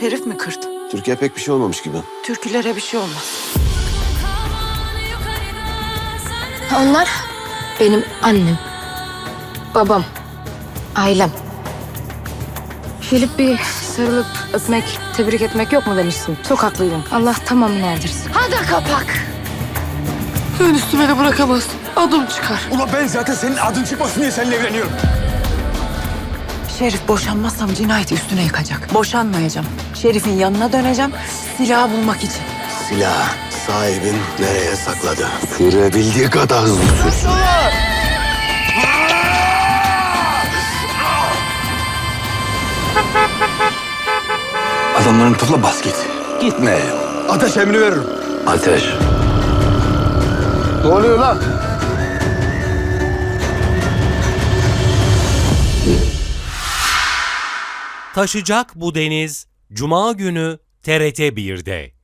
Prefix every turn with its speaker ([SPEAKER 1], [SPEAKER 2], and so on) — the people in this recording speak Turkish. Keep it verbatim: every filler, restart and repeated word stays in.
[SPEAKER 1] Şerif mi kırdı?
[SPEAKER 2] Türkiye pek bir şey olmamış gibi.
[SPEAKER 1] Türkülere bir şey olmaz.
[SPEAKER 3] Onlar benim annem, babam, ailem. Gelip bir sarılıp öpmek, tebrik etmek yok mu demişsin. Çok haklıydın. Allah tamamını erdirsin. Hadi kapak.
[SPEAKER 1] Sen üstüme de bırakamazsın. Adım çıkar.
[SPEAKER 4] Ulan ben zaten senin adın çıkmasın diye seninle evleniyorum.
[SPEAKER 1] Şerif boşanmazsam cinayeti üstüne yıkacak. Boşanmayacağım. Şerif'in yanına döneceğim. Silahı bulmak için.
[SPEAKER 2] Silah sahibin nereye sakladı? Sürebildiği kadar hızlı sürsün.
[SPEAKER 4] Adamlarını topla bas git.
[SPEAKER 2] Gitme.
[SPEAKER 4] Ateş emri veririm.
[SPEAKER 2] Ateş.
[SPEAKER 4] Ne oluyor lan?
[SPEAKER 5] Taşacak bu deniz Cuma günü T R T bir'de.